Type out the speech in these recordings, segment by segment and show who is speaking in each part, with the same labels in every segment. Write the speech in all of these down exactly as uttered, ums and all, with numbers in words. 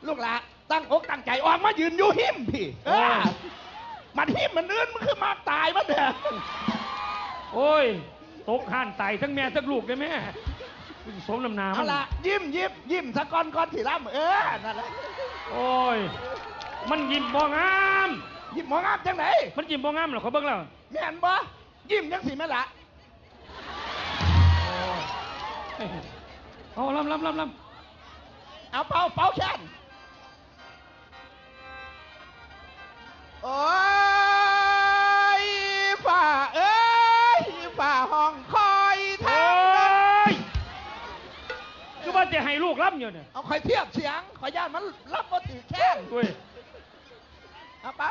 Speaker 1: ลูกหลานตั้งอกตั้งใจออกมายืนอยู่หิมพี่เออมันหิมมันอื่นมันคือมาตายมันเถอะ
Speaker 2: โอ้ยตกห่านตายทั้งแม่ทั้งลูกเลยแม่สมน้ำหนามัน
Speaker 1: ละยิ้มยิ้มยิ้มสะก้อนก้อนถี่ล่ำเออนั่นแหละ
Speaker 2: โอ้ยมันยิ้มบ่งาม
Speaker 1: ยิ้มบ่งามจังไหน
Speaker 2: มันยิ้มบ่งามเหรอเขาเบิ่งแล้ว
Speaker 1: แม่นบ่ยิ้มจังสิแม่ละ
Speaker 2: เอาลำลำลำล
Speaker 1: ำเอาเป่าเป่าแค้นโอ้ยฝ่าเอ้ยฝ่าห้องคอยทาง
Speaker 2: คือว่าจะให้ลูกรับอยู่เนี่ย
Speaker 1: เอาคอยเทียบเสียงขอย่านมันรับมาถือแข้ง
Speaker 2: ด้วย
Speaker 1: เอาปะ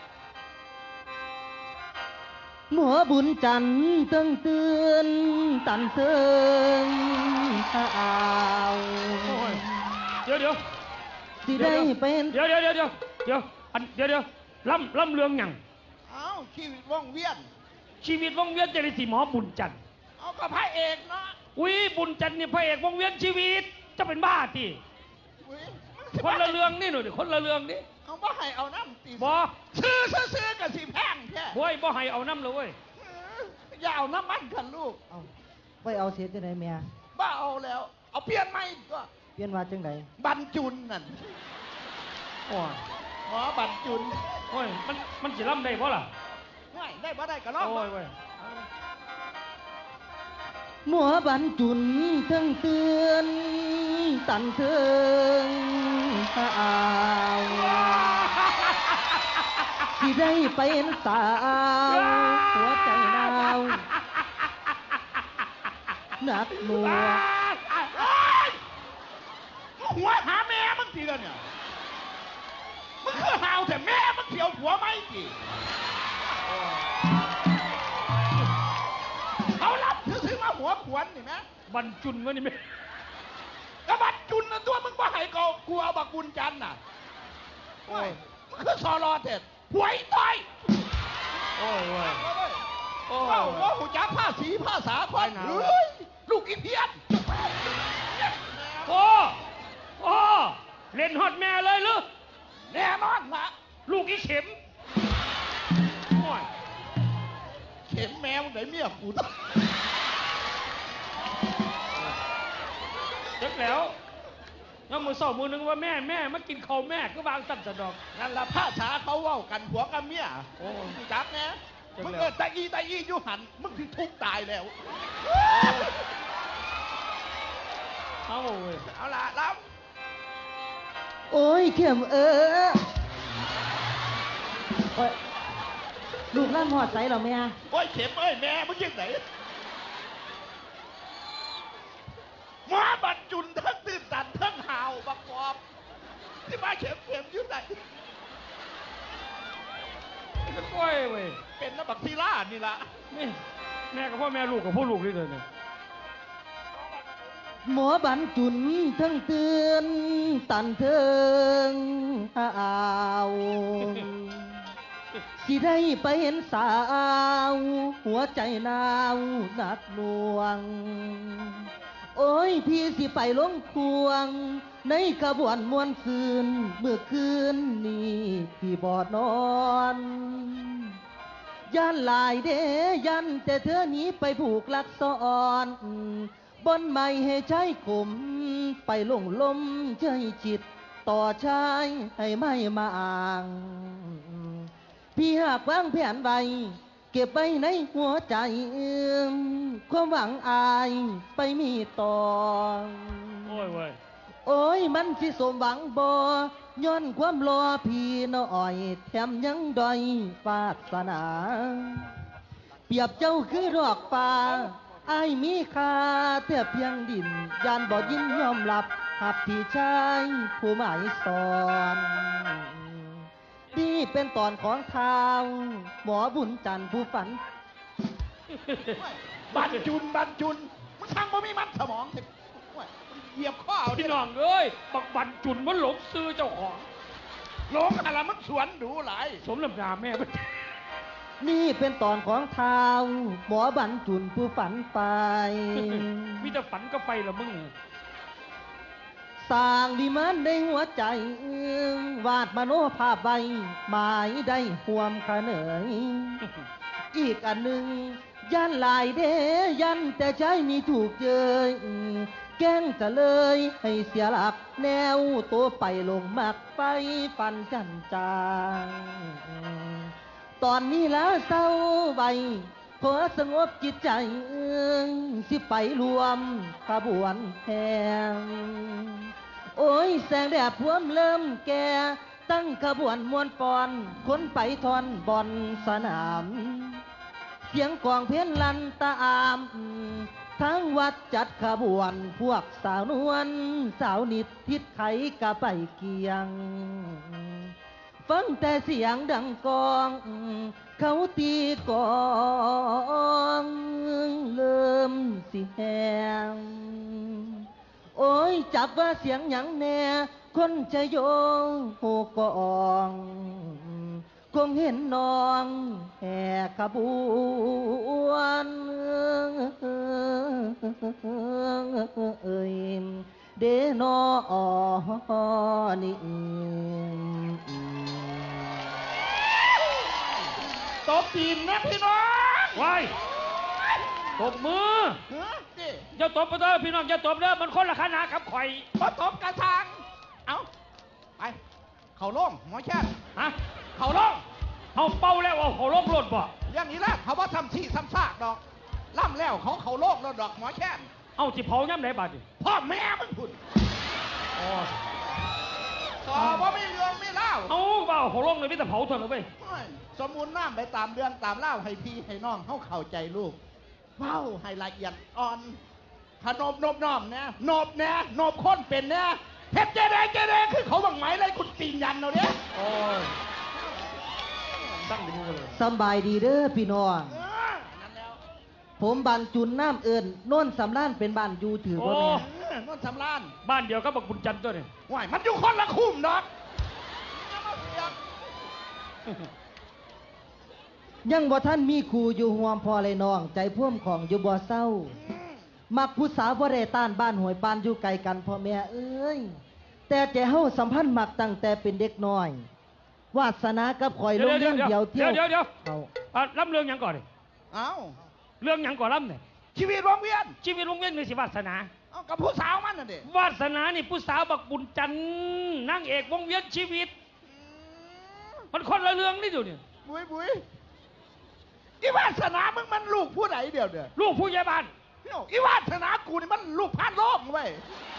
Speaker 3: หมอบุญจันทร์ตึงเตือนตันเตือนข้าว
Speaker 2: เดี๋ยวเดี๋ยว
Speaker 3: สิได้เป็น
Speaker 2: เดี๋ยวเดี๋ยวเดี๋ยวเดี๋ยวเดี๋ยวอันเดี๋ยวเดี๋ยวล่ำล่ำเรื่องหยัง
Speaker 1: เอ้าชีวิตว่องเวียน
Speaker 2: ชีวิตว่องเวียนจะได้สิหมอบุญจันทร์
Speaker 1: เอากับพระเอกเนาะ
Speaker 2: อุ้ยบุญจันทร์เนี่ยพระเอกว่องเวียนชีวิตจะเป็นบ้าทีคนละเรื่องนี่หนูดิคนละเรื่องนี่
Speaker 1: เอาบ่ให้เอาน้ำตี
Speaker 2: บ่
Speaker 1: ซื้อซื้อกับสีแพงแค่
Speaker 2: โว้ยบ่ให้เอาน้ำเลยเว้ย
Speaker 1: อย่าเอาน้ำมันกันลูก
Speaker 3: เอาไปเอาเสียจังไหนเมีย
Speaker 1: บ้าเอาแล้วเอาเปลี่ยนใหม่ก็
Speaker 3: เปลี่ยนว่าจังไหน
Speaker 1: บรรจุนนั่น
Speaker 2: โอ้ย
Speaker 1: หมอบรรจุน
Speaker 2: โอ้ยมันมันจะล่ำได้บ่ล่ะ
Speaker 1: ไม่ได้บ่ได้ก็ร้อง
Speaker 2: โอ้ยเว้ย
Speaker 3: หมัวบรรจุนเทิงเตือนตันเทิงข้าวที่ได้เป็นสาวหัวใจหนาวหนักหน่วง
Speaker 1: หัวหาแม่มึงทีละเนี่ยมึงคือหาวแต่แม่มึงเถียวหัวไม่กี่เอาลับซื้อมาหัวขวนนี่นะ
Speaker 2: บรรจุนวะนี่แม่
Speaker 1: ก็บรรจุนนะตัวมึงว่าให้กูกูเอาบักบุญจันน่ะโอ้ยมึงคือซอรอเด็ดหวยต่อย
Speaker 2: โอ้ยโอ้ย
Speaker 1: โอ้ยว่าหูจักผ้าสีผ้าสาควายเฮ้ยลูกอีเพี้ยน
Speaker 2: โอ้โอ้เล่นฮอตแม่เลยหรือ
Speaker 1: แน่นอนละ
Speaker 2: ลูกอีเข็มโอ้ย
Speaker 1: เข็มแมวไหนเมียกูต้อง
Speaker 2: เด็กแล้วแล้วมือสองมือนึงว่าแม่แม่มากินข้าวแม่ก็วางตั้งแต่ดอก
Speaker 1: นั่นละผ้าสาเขาเว้ากันผัวกับเมียโอ้จับนะมึงเกิดตาอีตาอีอยู่หันมึงถึงทุกตายแล้ว
Speaker 2: เอาเว้ย
Speaker 1: เอาละรับ
Speaker 3: โอ้ยเข็มเออโอ้ยลูกล่ำหอดใสหรอแม่
Speaker 1: โอ้ยเข็มเอ้ยแม่มึงยังไหนหมอบัดจุนทั้งตื่นตันทั้งหาวบักกอบที่มาเข็มเข็มยุ่งไหน
Speaker 2: โอ้ยเว้ย
Speaker 1: เป็นน้ำบักทีล่านี่ละ
Speaker 2: นี่แม่กับพ่อแม่ลูกกับพ่อลูกนี่เลยเนี่ย
Speaker 3: หมอบรรจุนทั้งเตือนตันเทิงอ้าวสิได้ไปเห็นสาวหัวใจหนาวหนักหน่วงโอ้ยพี่สิไปลงควงในขบวนมวนซืนเมื่อคืนนี้พี่บอดนอนยันลายเดยันแต่เธอหนีไปผูกลักซ้อนบนไม่ให้ใช้กลมไปลงลมใจจิตต่อชายให้ไม่มาอ่างพี่หากวางแผนไว้เก็บไว้ในหัวใจความหวังอายไปมีต่อ
Speaker 2: โอ้ยเว้ย
Speaker 3: โอ้ยมันสิสมหวังบ่ย้อนความรอพี่น้อยแถมยังดอยปาสนาเปรียบเจ้าคือดอกฟ้าอายมีค่าเทียบเพียงดินยานบ่ยินยอมรับหักพี่ชายผู้หมายสอนนี่เป็นตอนของทางหมอบุญจันทร์ผู้ฝัน
Speaker 1: บรรจุนบรรจุนมึงทางบ่มีมันสมองเหยียบข้อเอา
Speaker 2: พี่น้องเอ้ยบักบรรจุนมันหลงซื้อเจ้าของ
Speaker 1: หลงอะไรมันสวนดูหลาย
Speaker 2: สมลำนาแม่
Speaker 3: นี่เป็นตอนของทางหมอบรรจุนผู้ฝันไป
Speaker 2: มีแต่ฝันก็ไปละมึง
Speaker 3: สร้างวิมานในหัวใจวาดมโนภาพไว้หมายได้ห่วมขะเหนย อีกอันหนึ่งยันหลายเดยันแต่ใจมีถูกเจยแกล้งจะเลยให้เสียหลักแนวตัวไปลงมักไปฟันจันจางตอนนี้แล้วเศร้าใบขอสงบจิตใจสิไปรวมขบวนแห่โอ้ยแสงแดดพวมเริ่มแก่ตั้งขบวนมวนปอนคนไปทอนบอนสนามเสียงกองเพี้ยนลันตาอามทั้งวัดจัดขบวนพวกสาวนวลสาวนิดทิศไขกะไปเกียงฟังแต่เสียงดังกองเขาตีกองเริ่มสิแหงโอ้ยจับว่าเสียงหยังแน่คนจะโยงโหกองคงเห็นน้องแห่ขบวนเอ้ยเดนอนี่
Speaker 1: ตบตีนนะพี่น้อง
Speaker 2: ไว้ตบมือ
Speaker 1: เฮ้ยดิ
Speaker 2: อย่าตบไปเถอะพี่น้องอย่าตบเด้อมันคนละขนาดกับข่อย
Speaker 1: พอตบกระชังเอาไป เขาโล่งหมอแช่น
Speaker 2: ฮะเขาล่องเขาเป่าแล้วเอาเขาล่องรถบ่
Speaker 1: อย่างนี้แหละเขาว่าทำที่ทำซากดอก ล่ำแล้วเขาเขาโลกแล้วดอกหมอแช่น
Speaker 2: เอาสิเผาย่ำไหนบาดดิ
Speaker 1: พ่อแม่มันพุ่น
Speaker 2: อ๋อ
Speaker 1: ต่อว่าไม่เรื่องไม่เล่า
Speaker 2: เอาเปล่าเขาล่องเลยไม่แต่เผาเถอะนะเว้ย
Speaker 1: โอ้ยสมมูลน้ำไปตามเรื่องตามเล่าให้พี่ให้น้องเขาเข้าใจลูกเว้าให้ละเอียดอ่อนขนบนบน้อมเนี่ยนบเนี่ยนบค้นเป็นเนี่ยเฮ็ดเจเดเจเดคือเขาบังไหมเลยคุณตีนยันเราเนี่ย
Speaker 2: โอ้ยตั้งดีมือเลย
Speaker 3: สำบายดีเด้อพี่น้อง
Speaker 1: เออนั่นแล้ว
Speaker 3: ผมบันจุนน้ำเอิญโน่นสำล้านเป็นบ้านอยู่ถือว่าแม่
Speaker 1: เออนั่นสำราน
Speaker 2: บ้านเดียวก็บักบุญจันทร์ตัวนี่
Speaker 1: ว่ายมันอยู่คนละคุ้มดอกอย่ามาเสียก
Speaker 3: ยังบ่ท่านมีครูอยู่ห่วมพอเลยน้อง ใจพ่วมของอยู่บ่เศร้า
Speaker 1: อืม
Speaker 3: มักผู้สาวบ่ได้ต้านบ้านหวยปานอยู่ไกลกันพ่อแม่เอ้ยแต่ใจเฮาสัมพันธ์มักตั้งแต่เป็นเด็กน้อย วาสนากับข่อยลงเรื่องเดียวเที่ยว
Speaker 2: เดี๋ยวเดี๋ยว
Speaker 3: เอา
Speaker 2: อ่ะล้ำเรื่องหยังก่อนดิ
Speaker 1: เอ้า
Speaker 2: เรื่องหยังก่อนล้ำเนี่ย
Speaker 1: ชีวิตวงเวียน
Speaker 2: ชีวิตวงเวียนมีสิวาสนา
Speaker 1: เอากับผู้สาวมันน่ะเด็
Speaker 2: วาสนานี่ผู้สาวบักบุญจันทร์นางเอกวงเวียนชีวิต มันคนละเรื่องนี่ดูเนี่ย
Speaker 1: บุยบุยอีวาสนามึงมันลูกผู้ไหนเดียวเดียว
Speaker 2: ลูกผู้ใหญ่บ้าน
Speaker 1: อีวาสนากูนี่มันลูกพานโลกเว้ย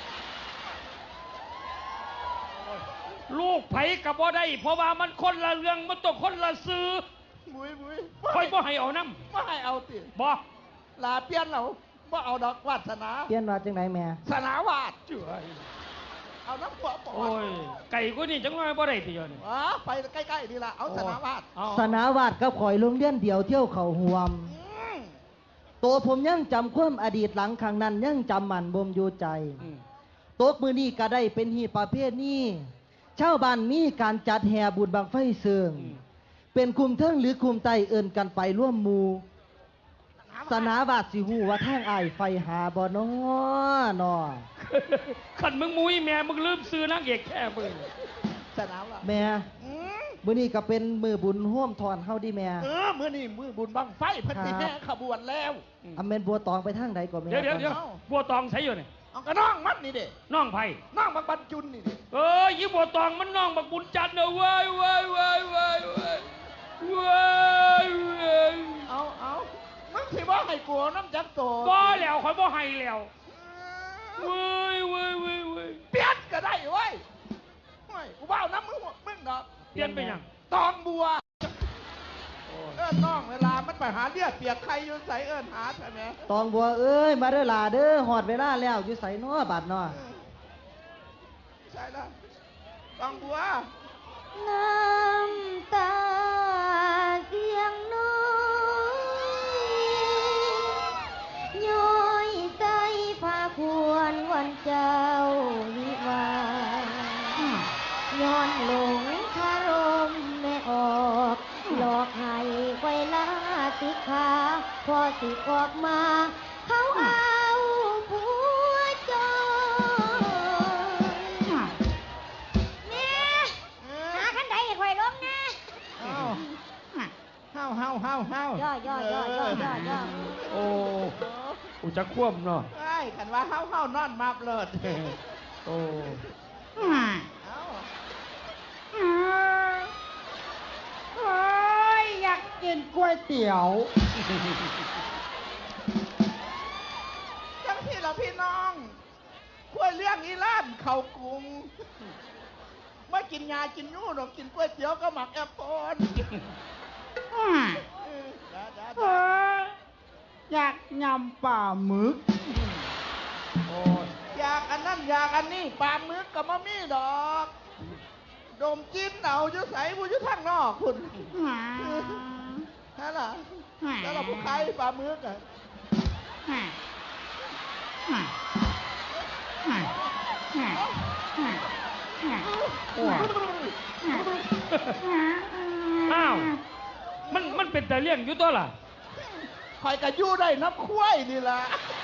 Speaker 2: ลูกไผกับบ่ได้เพราะว่ามันคนละเรื่องมันต้องคนละซื้อ
Speaker 1: บุยบุย
Speaker 2: คอยบ่ให้เอาน้
Speaker 1: ไม่ให้เอาติ
Speaker 2: ำบ่
Speaker 1: ลาเปลี่ยนเราบ่เอาดอกวาสนา
Speaker 3: เปลี่ยนว่าจังไดแม่
Speaker 1: สนาวาด
Speaker 2: เจ้ย
Speaker 1: เอาน้ำหัวปอ
Speaker 2: โอ้ยไก่กูนี่จังว่าบ่ได้ติเดียวนี่
Speaker 1: อ๋อไปใกล้ๆนี่ละเอาสนาวาด
Speaker 2: เอา
Speaker 3: สนาวาดกับข่อยลงเรียนเดียวเที่ยวเขาห่วม
Speaker 1: อืม
Speaker 3: ตัวผมยังจำความอดีตหลังครั้งนั้นยังจำมันบ่มอยู่ใจ
Speaker 2: อืม
Speaker 3: ตกมือนี้ก็ได้เป็นฮีตประเภทนี้ชาวบ้านมีการจัดแห่บุญบังไฟเสือง
Speaker 2: อืม
Speaker 3: เป็นคุมเทิงหรือคุมไตเอิ่นกันไปร่วมหมูสนาวาดสิหูว่าทางอายไฟหาบ่นอนอ
Speaker 2: ขันมึงมุ้ยแม่มึงลืมซื้อนางเอกแค่มึง
Speaker 1: สนาวาด
Speaker 3: แม่
Speaker 1: อืม
Speaker 3: มื้อนี้ก็เป็นมือบุญร่วมทอนเฮาดิแม่
Speaker 1: เออมื้อนี้มือบุญบังไฟเพิ่นสิแห่ขบวนแล้ว
Speaker 3: อำเมนบัวตองไปทางใดก็แม่
Speaker 2: เดี๋ยวเดี๋ยวเดี๋ยวบัวตองใส่อยู่นี่
Speaker 1: เอากระน้องมันนี่เด้
Speaker 2: น้องไผ่
Speaker 1: น้องบักบรรจุนนี่เด้
Speaker 2: เอ้ยยี่บัวตองมันน้องบักบุญจันทร์เนอะเว้ยเว้ยเว้ยเว้ยเว้ยเว้ยเว้ย
Speaker 1: เอาเอามึงสิว่าให้กลัวน้ำจักโต
Speaker 2: บ่แล้วคอยบ่ให้แล้วเว้ยเว้ยเว้ยเว้ย
Speaker 1: เปลี่ยนก็ได้เว้ยเฮ้ยกูว่าน้ำมึงมึงดอก
Speaker 2: เปลี่ยนไปยัง
Speaker 1: ตองบัว เอิ้นน้องเวลามันไปหาเลือดเปียกใครอยู่ใส่เอิ้นหาใช่ไหม
Speaker 3: ตองบัวเอ้ยมาเด้อหลาเด้อฮอดเวลาแล้วอยู่ไสน้อบาดน้อ
Speaker 1: ใช่แล้วตองบัว
Speaker 4: น้ำตาเสียงน้อยย้อยใจพาควรวันเจ้าวิวาห์ย้อนหลงคารมแม่ออกหลอกให้ไว้ลาติขาพอสิออกมา เขาเอาผัวจอย
Speaker 1: เฮาเฮา
Speaker 4: ย่อย่อย่อย่อย่อย่อ
Speaker 2: โอ้อุจะควบเนาะ
Speaker 1: ไอ้ขันว่าเฮาเฮานอนมาเลิศ
Speaker 2: โอ้
Speaker 1: เอ้า
Speaker 3: โอ้ยอยากกินก๋วยเตี๋ยว
Speaker 1: จังที่เราพี่น้องคุยเรื่องอีล้านเขากรุงไม่กินยากินยูหรอกกินก๋วยเตี๋ยวก็หมักแอปเปิ้ลเออเดี๋ยวเดี๋ยวเดี๋ยว
Speaker 3: อยากยำปลาหมึก
Speaker 2: โอ้ย
Speaker 1: อยากอันนั้นอยากอันนี้ปลาหมึกกับมะมี่ดอก ดมจิ้นเอาจะใส่ผู้ยุทางนอกคุณนั่นล่ะแล้วเราผู้ใครปลาหมึกอ่ะ
Speaker 2: โอ้ยอ้าวมันมันเป็นแต่เลี้ยงอยู่ตัวล่ะ
Speaker 1: คอยกระยู่ได้น้ำข้วยนี่ล่ะ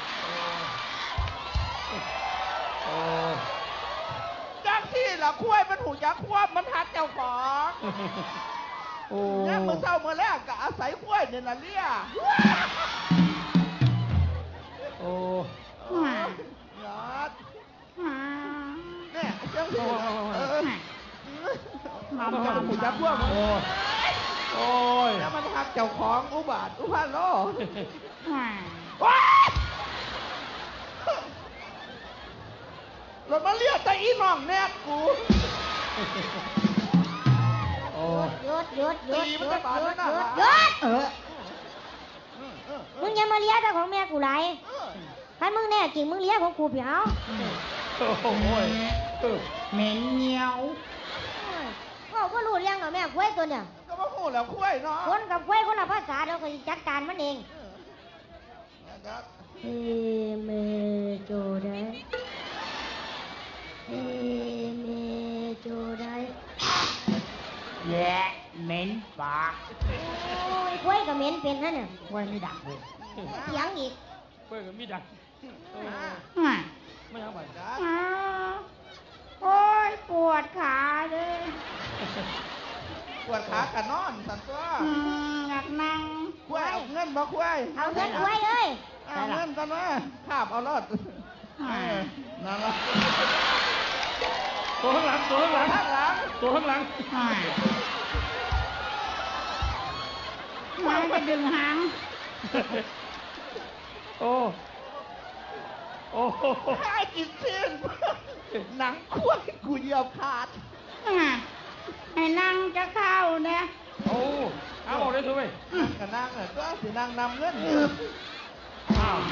Speaker 2: โอ้
Speaker 1: จากที่ละข้วยมันหูยักษ์ควบมันหักเจ้าของ
Speaker 2: โอ้
Speaker 1: เนี่ยเมื่อเช้าเมื่อแรกก็อาศัยข้วยเนี่ยนะเลี่ย
Speaker 2: โอ้
Speaker 1: ยอดเนี่ยเจ้าที่เออมันจะหูยักษ์ควบมัน
Speaker 2: โอ้ยโอ้ย
Speaker 1: แล้วมันหักเจ้าของอุบาทอุพาโลว้ายรถมาเลียแต่อีน้องแนบกู
Speaker 2: โอ้ย
Speaker 4: หยุดหยุดหยุด
Speaker 1: ตี
Speaker 4: ห
Speaker 1: มัน
Speaker 4: ยุ
Speaker 1: จะ
Speaker 4: ด
Speaker 1: บาด
Speaker 4: หยุ
Speaker 1: แล้ว
Speaker 4: ด
Speaker 1: นะ
Speaker 4: หยุดหยุด
Speaker 3: เออ
Speaker 4: มึงอย่ามาเลี้ยแต่ของแม่กูไหลถ้ามึงแน่จริงมึงเลี้ยของกูเผียว
Speaker 2: โอ้ยเออ
Speaker 3: เหม็นเงี้ยว
Speaker 4: ก็ก็รู้เรื่องหรอแม่กล้วยตัวเนี่ย
Speaker 1: ก็มาหูแล้วข้วยเนาะ
Speaker 4: คนกับกล้วยคนละภาษาเราก็จัดการมันเอง เฮเมโจได้เฮเมโจได้
Speaker 3: แย่เหม็นปาก
Speaker 4: โอ้ยกล้วยกับเหม็นเป็นนั่นเนี่ย
Speaker 3: ไว้ไม่ดักเลย
Speaker 4: เสียงอีก
Speaker 2: เพื่อนก็มีดังโอ้ไม่เอาไป
Speaker 3: โอ้ยปวดขาเลย
Speaker 1: ปวดขากันนอนสันตัว
Speaker 3: อยากนั่ง
Speaker 1: ข้วยเอาเงินมาข้วย
Speaker 4: เอาเงินกล้วยเลย
Speaker 1: เอาเงินกันมาขาบเอารอดเออนั่นละ
Speaker 2: ตัวข้างหลังตัวข้างหลัง
Speaker 1: ข้างหลัง
Speaker 2: ตัวข้างหลัง
Speaker 3: มันจะดึงหาง
Speaker 2: โอ้โอ้โห
Speaker 1: ข้ากินเส้นหนังข้วยกูเหยียบขาด
Speaker 3: ให้นั่งจะเข้าเนี่ย
Speaker 2: โอ้เอาออกได้ทุกเว้ย
Speaker 1: กนั่งอ่ะก็สินั่งนำเงิน
Speaker 2: อ้าว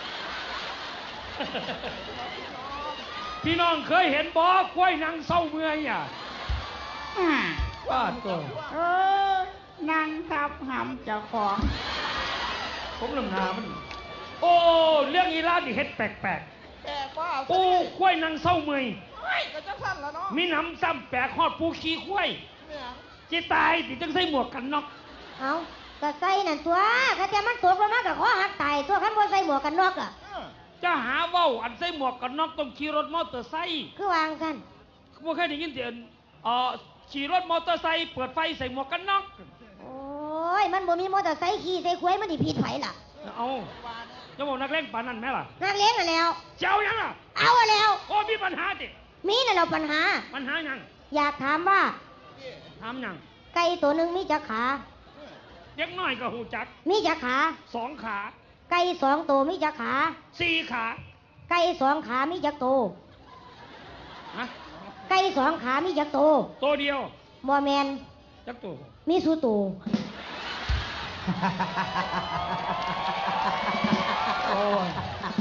Speaker 2: พี่น้องเคยเห็นบ่กล้วยนางเศร้าเมื่อยอ่ะว่าตัว
Speaker 3: เออนั่งทับหำเจ้าของ
Speaker 2: ผมลำนามัน โอ้เรื่องอีลาดิเฮ็ดแปลก
Speaker 1: แปลกว่า
Speaker 2: ๆโอ้กล้วยนางเศร้าเมื่อย
Speaker 1: เฮ้ยก็จะสั่นแล้วเนาะ
Speaker 2: มีหน้ำซ้ำแปลกฮอดปูขี้กล้วย
Speaker 1: เนี่ย
Speaker 2: จิตายสิจังใส่หมวกกันน็อก
Speaker 4: เอากระใส่นั่นตัวกระเทียมมันตกลงมากับข้อหักตายตัวขันบ่ใส่หมวกกันน็อกอ่ะ
Speaker 1: เออ
Speaker 2: จะหาเว้าอันใส่หมวกกันน็อกต้องขี่รถมอเตอร์ไซค์
Speaker 4: คือวางกัน
Speaker 2: บ่เคยได้ยินเสียงเอ่อขี่รถมอเตอร์ไซค์เปิดไฟใส่หมวกกันน็อก
Speaker 4: โอ้ยมันบ่มีมอเตอร์ไซค์ขี่ใส่ควยมันดิผิดไผล่ะ
Speaker 2: เอาจะบอกนักเล่นปานนั้นไหมล่ะ
Speaker 4: นักเลี้ยงน่ะแล้ว
Speaker 2: เจ้ายังล่ะ
Speaker 4: เอาอะแล้ว
Speaker 2: โอ้มีปัญหาดิ
Speaker 4: มีน่ะเราปัญหา
Speaker 2: ปัญหายัง
Speaker 4: อยากถามว่า
Speaker 2: ถามยัง
Speaker 4: ไก่ตัวหนึ่งมีจักขา
Speaker 2: เด็กน้อยก็หูจัก
Speaker 4: มีจักขา
Speaker 2: สองขา
Speaker 4: ไก่สองตัวมีจักขา
Speaker 2: สี่ขา
Speaker 4: ไก่สองขามีจักโตว
Speaker 2: ฮะ
Speaker 4: ไก่สองขามีจักโตว
Speaker 2: ตัวเดียว
Speaker 4: บ่แมน
Speaker 2: จักตัว
Speaker 4: มีสูโตว
Speaker 2: โอ้ย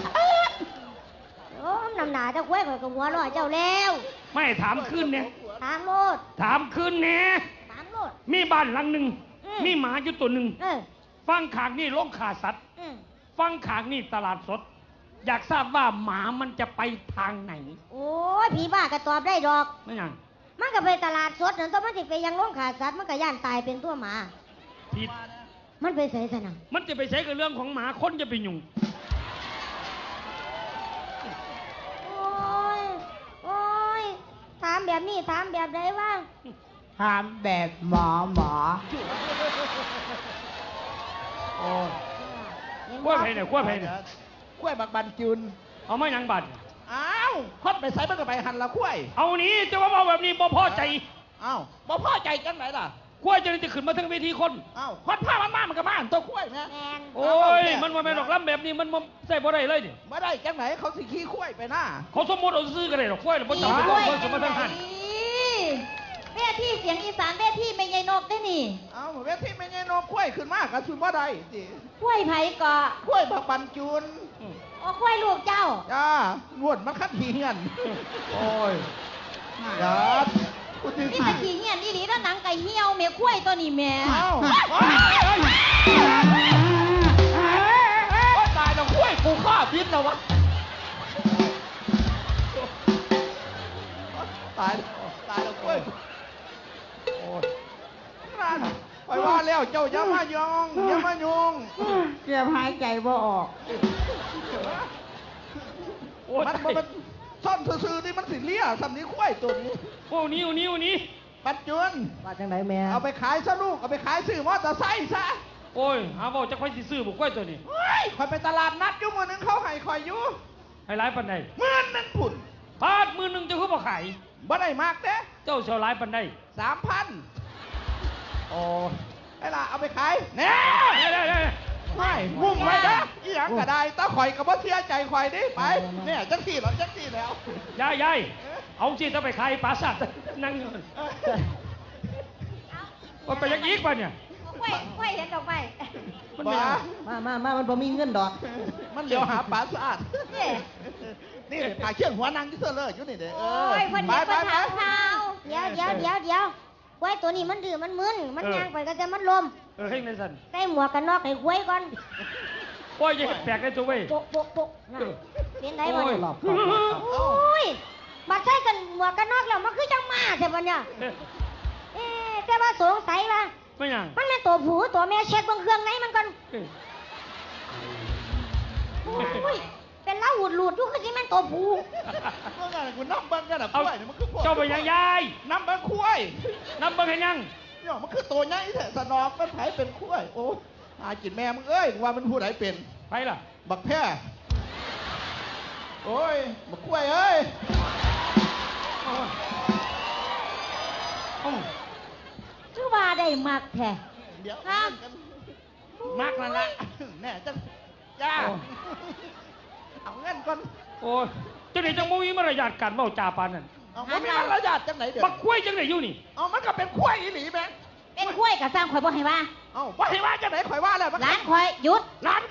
Speaker 4: โอ้มนำหนาเจ้าควยข่อยกับหัวเร้อยเจ้าแล้ว
Speaker 2: ไม่ถามขึ้นเนี่ย
Speaker 4: ถามโลด
Speaker 2: ถามขึ้นเนี่ย
Speaker 4: ถามโลด
Speaker 2: มีบ้านหลังหนึ่ง
Speaker 4: อืม
Speaker 2: มีหมาอยู่ตัวหนึ่ง
Speaker 4: เออ
Speaker 2: ฟังขางนี่โรงขาสัตว์
Speaker 4: อืม
Speaker 2: ฟังขางนี่ตลาดสด อยากทราบว่าหมามันจะไปทางไหน
Speaker 4: โอ้ยผีบ้าก็ตอบได้ดอก
Speaker 2: ไม่ยัง
Speaker 4: มันก็ไปตลาดสดนั่นตัวมันสิไปยังโรงขาสัตว์มันก็ย่านตายเป็นตัวหมา
Speaker 2: ผิด
Speaker 4: มันไปใส่สนะ
Speaker 2: มันจะไปใช้กับเรื่องของหมาคนจะไปยุ่ง
Speaker 4: โอ้ย โอ้ย ถามแบบนี้ถามแบบใดวะ
Speaker 3: ถามแบบหมอหมอ
Speaker 2: โอ้ย
Speaker 4: เห็น
Speaker 2: กล้วย
Speaker 4: บ่
Speaker 2: ไผ่เนี่ยกล้วยไผ่เนี่ย
Speaker 1: กล้วยบักบันจุน
Speaker 2: เอามาหยังบัด
Speaker 1: อ้าวคดไปใส่มันก็ไปหันละกล้วย
Speaker 2: เอานี้จะว่าเอาแบบนี้บ่พอใจ
Speaker 1: อ้าวบ่พอใจจังไหนล่ะ
Speaker 2: กล้วยจะได้จะขึ้นมาทั้งเวทีคน
Speaker 1: อ้าวคดผ้ามันมามันก็มาหันตัวกล้วยแม่
Speaker 4: แมน
Speaker 2: โอ้ย มันว่าแม่นดอกล้ำแบบนี้มันบ่ใส่บ่ได้เลยนี่
Speaker 1: ไม่ได้จังไหนเขาสิขี้กล้วยไปหน้า
Speaker 2: เขาสมมติเอาซื้อกันเลยหรอกกล้วยน่ะบ่จำเป็นต้องกล้วยสมมาทั้งหัน
Speaker 4: เวทีเสียงอีสานเวทีไม่ใหญ่นกได้นี่
Speaker 1: เอาเวทีไม่ใช่นกกล้วยขึ้นมากระสุนบ่ได้สิ
Speaker 4: กล้วยไผ่เกาะ
Speaker 1: กล้วยบักบันจุน
Speaker 4: โอ้กล้วยลูกเจ้า
Speaker 1: จ้านวดมันคัดหีเงิน
Speaker 2: โอ้ย
Speaker 1: จ้าพูดถึง
Speaker 4: นี่ตะกี้เงี้ยนี่หลีแล้วหนังไก่เหี่ยวเมียกล้วยตัวนี้แม่
Speaker 1: เอ้าโอ้ยตายแล้วกล้วยกูฆ่าพิษแล้ววะตายแล้วตายแล้วกล้วย
Speaker 2: โอ้ย
Speaker 1: นั่นไปว่าแล้วเจ้าอย่ามายองอย่ามายง
Speaker 3: เกือบหายใจบ่ออก
Speaker 2: โอ้ย
Speaker 1: มันมันมันซ่อนซื่อๆนี่มันสิเลี่ยสำนี้กล้วยตัวนี้
Speaker 2: โอ้นิ้วนิ้วนี้
Speaker 1: ปัจจุบัน
Speaker 3: ว่าจังไดแม่
Speaker 1: เอาไปขายซะลูกเอาไปขายซื้อมอเตอร์ไซค์ซะ
Speaker 2: โอ้ยหาบอกจะค่อยสิซื้อบุกกล้วยตัวนี้
Speaker 1: เฮ้ยคอยไปตลาดนัดอยู่มือหนึงเขาให้คอยอยู่
Speaker 2: ให้ร้ายปันใด
Speaker 1: หมื่นหนึงผุ่น
Speaker 2: บาทมือหนึงจะคือบ่ขาย
Speaker 1: บ่ได้มากเด้
Speaker 2: เจ้าเสียวร้ายปันใด
Speaker 1: สามพัน
Speaker 2: โอ้ย
Speaker 1: ไอ้ล่ะเอาไปขายแน่
Speaker 2: ได้ได้ได้
Speaker 1: ไม่มุ่งไว้นะอีหยังก็ได้ตาข่อยกับว่าเสียใจข่อยดิไปเนี่ยจังสี่หรอจังสี่แล้ว
Speaker 2: ยายยายเอาสิถ้าไปขายปราสาทนั่งอยู่ว่าไปยังอีกป่ะเนี่ย
Speaker 4: กล้วยกล้วยเห็นดอกไม้
Speaker 2: มัน
Speaker 1: บ้า
Speaker 2: ไม่
Speaker 3: มามามามันบ่มีเงินดอก
Speaker 1: มันเลี้ยวหาปลาสะอาด
Speaker 4: นี่
Speaker 1: นี่ปลาเชื่องหัวนางที่เสื้อเลยอยู่นี่เด้อ
Speaker 4: โอ้ยคน
Speaker 1: ไป
Speaker 4: เดียว
Speaker 1: ไป
Speaker 4: คน
Speaker 1: ไป
Speaker 4: ถามข่าวเดี๋ยวเดี๋ยวเดี๋ยวเดี๋ยวกล้วยตัวนี้มันดื้อมันมึนมันย่างไปก็จะมันลม
Speaker 2: เออให้ในสัน
Speaker 4: ใส่หมวกกันน็อกให้กล้วยก่อน
Speaker 2: โอ้ยอย่าเห็ดแปลกเลยตัวเว้ย
Speaker 4: โปะโปะโปะนั่นเป็นไงบ่
Speaker 2: โอ้ย
Speaker 4: เนี่ย
Speaker 3: หลอกหลอกหลอก
Speaker 4: โอ้ยบัดใส่กันหมวกกันน็อกแล้วมันคือจังมาใช่ปะเนี่ย
Speaker 2: เอ๊ะ
Speaker 4: เอ๊ะแต่ว่าสงสัยว่า
Speaker 2: ไม่ยัง
Speaker 4: มันเป็นตัวผู้ตัวแม่เช็คเบางเครื่องไหนมันก่อน
Speaker 2: เอ๊ะ
Speaker 4: โอ้ยเป็นเล้าหูดหลุดๆอยู่คือสิแม่นตัวผู้
Speaker 1: เมื่อไงกูน้ำเบิ้งกันอ่ะก
Speaker 2: เอา
Speaker 1: ล้วยเนี่ยมันคือพวก
Speaker 2: เจ้าไปยังยาย
Speaker 1: น้ำเบิ้งกล้วย
Speaker 2: นับเบิ่งให้ยัง
Speaker 1: เนี่ยมันคือตัวใหญ่แท้สนอกมันไผเป็นกล้วยโอ้หากินแม่มึงเอ้ยว่ามันผู้ใดเป็น
Speaker 2: ไปล่ะ
Speaker 1: บักแพร่โอ้ยบักกล้วยเอ้ย
Speaker 2: โอ้ยโอ้ย
Speaker 4: คือว่าได้มักแท้
Speaker 1: เดี๋ยว
Speaker 4: ครับ
Speaker 1: มากนั่นละแน่จังจ้าเอาเงินก่อน
Speaker 2: โอ้ยเจังไหนจังบ่มีมารยาทการเว้าจาปานนั้น
Speaker 1: เอาไม่มีมารยาทจังไหนเดี๋ยว
Speaker 2: บักกล้วยจังไหนอยู่นี่
Speaker 1: เอามันก็เป็นกล้วยอีหลีแม่ง
Speaker 4: เป็นกล้วยกับสร้างข่อยบ่ให้ว่า
Speaker 1: เอาว่าให้ว่าจังไหนข่อยว่าแล้วมัน
Speaker 4: ร้านข่อยหยุด
Speaker 1: ร้าน